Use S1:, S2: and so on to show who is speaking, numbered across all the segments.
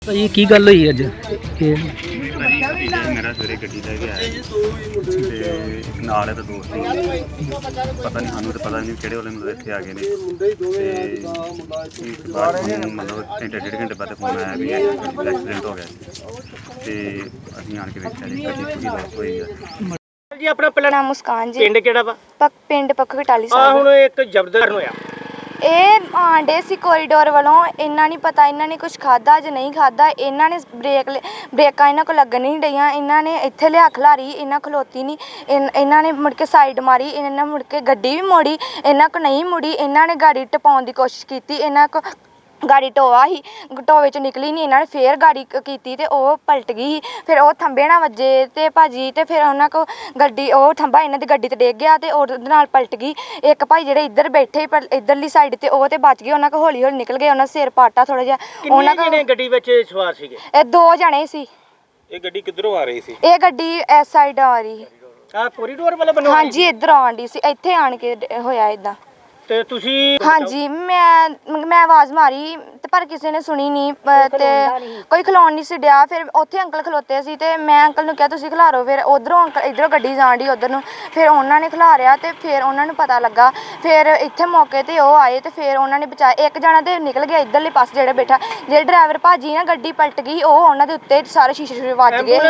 S1: ਭਾਜੀ ਕੀ ਗੱਲ ਹੋਈ ਅੱਜ ਇਹ
S2: ਭਾਜੀ ਭਤੀਜਾ ਮੇਰਾ ਸਵੇਰੇ ਗੱਡੀ ਲੈ ਕੇ ਆਇਆ ਤੇ ਇੱਕ ਨਾਲ ਇਹਦਾ ਦੋਸਤ ਸੀ। ਪਤਾ ਨਹੀਂ ਸਾਨੂੰ ਤਾਂ ਪਤਾ ਨਹੀਂ ਕਿਹੜੇ ਵੇਲੇ ਮਤਲਬ ਇੱਥੇ ਆ ਗਏ ਨੇ ਤੇ ਇੱਕ ਬਾਅਦ ਸਾਨੂੰ ਮਤਲਬ ਘੰਟੇ ਡੇਢ ਘੰਟੇ ਬਾਅਦ ਫੋਨ ਆਇਆ ਵੀ ਐਕਸੀਡੈਂਟ ਹੋ ਗਿਆ ਤੇ ਅਸੀਂ ਆਣ ਕੇ ਵੇਖਿਆ ਜੀ ਗੱਡੀ ਪੂਰੀ ਲੋਸ ਹੋਈ ਆ।
S3: ਜੀ ਆਪਣਾ ਪਹਿਲਾਂ
S4: ਨਾਮ ਮੁਸਕਾਨ ਜੀ।
S3: ਪਿੰਡ ਕਿਹੜਾ ਵਾ?
S4: ਪਿੰਡ ਪੱਖੋ ਕਟਾਲੀ
S3: ਆ
S4: ਸਾਹਿਬ।
S3: ਹੁਣ ਇੱਕ ਜ਼ਬਰਦਸਤ ਹੋਇਆ।
S4: ਇਹ ਆਂਡੇ ਸੀ ਕੋਰੀਡੋਰ ਵੱਲੋਂ। ਇਹਨਾਂ ਨਹੀਂ ਪਤਾ ਇਹਨਾਂ ਨੇ ਕੁਝ ਖਾਦਾ ਜਾਂ ਨਹੀਂ ਖਾਦਾ। ਇਹਨਾਂ ਨੇ ਬ੍ਰੇਕਾਂ ਇਹਨਾਂ ਕੋਲ ਲੱਗਣ ਨਹੀਂ ਡਈਆਂ। ਇਹਨਾਂ ਨੇ ਇੱਥੇ ਲਿਆ ਖਲਾਰੀ, ਇਹਨਾਂ ਖਲੋਤੀ ਨਹੀਂ। ਇਹਨਾਂ ਨੇ ਮੁੜ ਕੇ ਸਾਈਡ ਮਾਰੀ, ਇਹਨਾਂ ਮੁੜ ਕੇ ਗੱਡੀ ਵੀ ਮੋੜੀ, ਇਹਨਾਂ ਕੋ ਨਹੀਂ ਮੁੜੀ। ਇਹਨਾਂ ਨੇ ਗਾੜੀ ਟਪਾਉਣ ਦੀ ਕੋਸ਼ਿਸ਼ ਕੀਤੀ, ਇਹਨਾਂ ਕੋ ਗਾੜੀ ਟੋਆ ਸੀ, ਟੋਏ 'ਚ ਨਿਕਲੀ ਨਹੀਂ। ਇਹਨਾਂ ਨੇ ਫੇਰ ਗਾੜੀ ਕੀਤੀ ਤੇ ਉਹ ਪਲਟ ਗਈ। ਫਿਰ ਉਹ ਥੰਬੇ ਨਾਲ ਵੱਜੇ ਤੇ ਭਾਜੀ ਤੇ ਫਿਰ ਉਹਨਾਂ ਕੋ ਗੱਡੀ ਉਹ ਥੰਬਾ ਇਹਨਾਂ ਦੀ ਗੱਡੀ ਤੇ ਡਿੱਗ ਗਿਆ ਤੇ ਉਹਦੇ ਨਾਲ ਪਲਟ ਗਈ। ਇੱਕ ਭਾਈ ਜਿਹੜੇ ਇੱਧਰ ਬੈਠੇ ਪਰ ਇੱਧਰਲੀ ਸਾਈਡ ਤੇ ਉਹ ਤੇ ਬਚ ਗਏ। ਉਹਨਾਂ ਕੋ ਹੌਲੀ ਹੌਲੀ ਨਿਕਲ ਗਏ। ਉਹਨਾਂ ਸਿਰ ਪਾਟਾ ਥੋੜਾ ਜਿਹਾ। ਉਹਨਾਂ
S3: ਕਿੰਨੇ ਜਣੇ ਗੱਡੀ ਵਿੱਚ ਸਵਾਰ ਸੀਗੇ?
S4: ਇਹ 2 ਜਣੇ ਸੀ।
S2: ਇਹ ਗੱਡੀ ਕਿੱਧਰੋਂ ਆ ਰਹੀ ਸੀ?
S4: ਇਹ ਗੱਡੀ ਇਸ ਸਾਈਡ ਆ ਰਹੀ।
S3: ਆ ਕੋਰੀਡੋਰ ਵਾਲੇ ਬੰਨੋਂ?
S4: ਹਾਂਜੀ ਇੱਧਰ ਆਉਣ ਡਈ ਸੀ। ਇੱਥੇ ਆਣ ਕੇ ਹੋਇਆ ਇਦਾਂ।
S3: ਤੇ ਤੁਸੀਂ?
S4: ਹਾਂਜੀ ਮੈਂ ਆਵਾਜ਼ ਮਾਰੀ ਤੇ ਪਰ ਕਿਸੇ ਨੇ ਸੁਣੀ ਨਹੀਂ ਤੇ ਕੋਈ ਖਲੋਣ ਨਹੀਂ ਸੀ ਡਿਆ। ਫਿਰ ਉੱਥੇ ਅੰਕਲ ਖਲੋਤੇ ਸੀ ਤੇ ਮੈਂ ਅੰਕਲ ਨੂੰ ਕਿਹਾ ਤੁਸੀਂ ਖਿਲਾਰੋ। ਫਿਰ ਉਧਰੋਂ ਅੰਕਲ ਇੱਧਰੋਂ ਗੱਡੀ ਜਾਣ ਡਈ ਉੱਧਰ ਨੂੰ। ਫਿਰ ਉਹਨਾਂ ਨੇ ਖਿਲਾਰਿਆ ਤੇ ਫਿਰ ਉਹਨਾਂ ਨੂੰ ਪਤਾ ਲੱਗਾ। ਫਿਰ ਇੱਥੇ ਮੌਕੇ ਤੇ ਉਹ ਆਏ ਤੇ ਫਿਰ ਉਹਨਾਂ ਨੇ ਬਚਾਇਆ। ਇੱਕ ਜਣਾ ਤੇ ਨਿਕਲ ਗਿਆ ਇੱਧਰਲੇ ਪਾਸੇ ਜਿਹੜਾ ਬੈਠਾ। ਜਿਹੜੇ ਡਰਾਈਵਰ ਭਾਜੀ ਨਾ ਗੱਡੀ ਪਲਟ ਗਈ ਉਹ ਉਹਨਾਂ ਦੇ ਉੱਤੇ ਸਾਰੇ ਸ਼ੀਸ਼ੇ ਵੱਜ ਗਏ।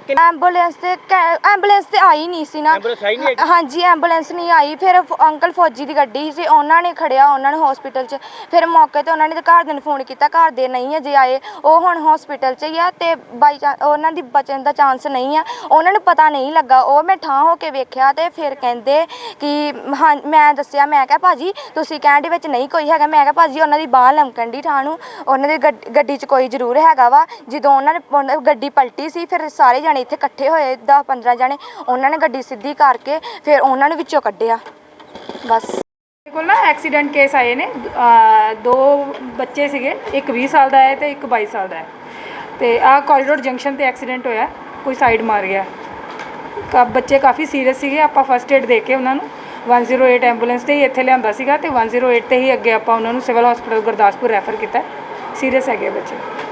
S4: ਐਂਬੂਲੈਂਸ ਤੇ ਆਈ ਨਹੀਂ ਸੀ ਨਾ। ਹਾਂਜੀ ਐਂਬੂਲੈਂਸ ਨਹੀਂ ਆਈ। ਫਿਰ ਅੰਕਲ ਫੌਜੀ ਦੀ ਗੱਡੀ ਸੀ, ਉਹਨਾਂ ਨੇ ਖੜਿਆ ਉਹਨਾਂ ਨੂੰ ਹਸਪੀਟਲ 'ਚ। ਫਿਰ ਮੌਕੇ ਤੇ ਉਹਨਾਂ ਨੇ ਘਰਦਿਆਂ ਨੂੰ ਫੋਨ ਕੀਤਾ, ਘਰ ਦੇ ਨਹੀਂ ਅਜੇ ਆਏ। ਉਹ ਹੁਣ ਹਸਪੀਟਲ 'ਚ ਹੀ ਆ ਤੇ ਬਾਈ ਚਾਂਸ ਉਹਨਾਂ ਦੀ ਬਚਣ ਦਾ ਚਾਂਸ ਨਹੀਂ ਆ। ਉਹਨਾਂ ਨੂੰ ਪਤਾ ਨਹੀਂ ਲੱਗਾ। ਉਹ ਮੈਂ ਠਾਂ ਹੋ ਕੇ ਵੇਖਿਆ ਤੇ ਫਿਰ ਕਹਿੰਦੇ ਕਿ ਹਾਂ ਮੈਂ ਦੱਸਿਆ, ਮੈਂ ਕਿਹਾ ਭਾਜੀ ਤੁਸੀਂ ਕਹਿਣ ਵਿੱਚ ਨਹੀਂ ਕੋਈ ਹੈਗਾ। ਮੈਂ ਕਿਹਾ ਭਾਜੀ ਉਹਨਾਂ ਦੀ ਬਾਂਹ ਲਮਕਣ ਦੀ ਠਾਂ ਨੂੰ, ਉਹਨਾਂ ਦੀ ਗੱਡੀ 'ਚ ਕੋਈ ਜ਼ਰੂਰ ਹੈਗਾ ਵਾ। ਜਦੋਂ ਉਹਨਾਂ ਨੇ ਗੱਡੀ ਪਲਟੀ ਸੀ ਫਿਰ ਸਾਰੇ ਜਣੇ ਇੱਥੇ ਇਕੱਠੇ ਹੋਏ 10-15 ਜਣੇ। ਉਹਨਾਂ ਨੇ ਗੱਡੀ ਸਿੱਧੀ ਕਰਕੇ ਫਿਰ ਉਹਨਾਂ ਨੂੰ ਵਿੱਚੋਂ ਕੱਢਿਆ। ਬਸ
S5: ਕੋਲ ਨਾ ਐਕਸੀਡੈਂਟ ਕੇਸ ਆਏ ਨੇ। 2 ਬੱਚੇ ਸੀਗੇ, ਇੱਕ 20 ਸਾਲ ਦਾ ਹੈ ਤੇ ਇੱਕ 22 ਸਾਲ ਦਾ ਹੈ। ਤੇ ਆਹ ਕੋਰੀਡੋਰ ਜੰਕਸ਼ਨ ਤੇ ਐਕਸੀਡੈਂਟ ਹੋਇਆ, ਕੋਈ ਸਾਈਡ ਮਾਰ ਗਿਆ। ਬੱਚੇ ਕਾਫੀ ਸੀਰੀਅਸ ਸੀਗੇ। ਆਪਾਂ ਫਸਟ ਏਡ ਦੇ ਕੇ ਉਹਨਾਂ ਨੂੰ 108 ਐਂਬੂਲੈਂਸ ਤੇ ਹੀ ਇੱਥੇ ਲਿਆਂਦਾ ਸੀਗਾ ਤੇ 108 ਤੇ ਹੀ ਅੱਗੇ ਆਪਾਂ ਉਹਨਾਂ ਨੂੰ ਸਿਵਲ ਹਸਪੀਟਲ ਗੁਰਦਾਸਪੁਰ ਰੈਫਰ ਕੀਤਾ। ਸੀਰੀਅਸ ਹੈਗੇ ਬੱਚੇ।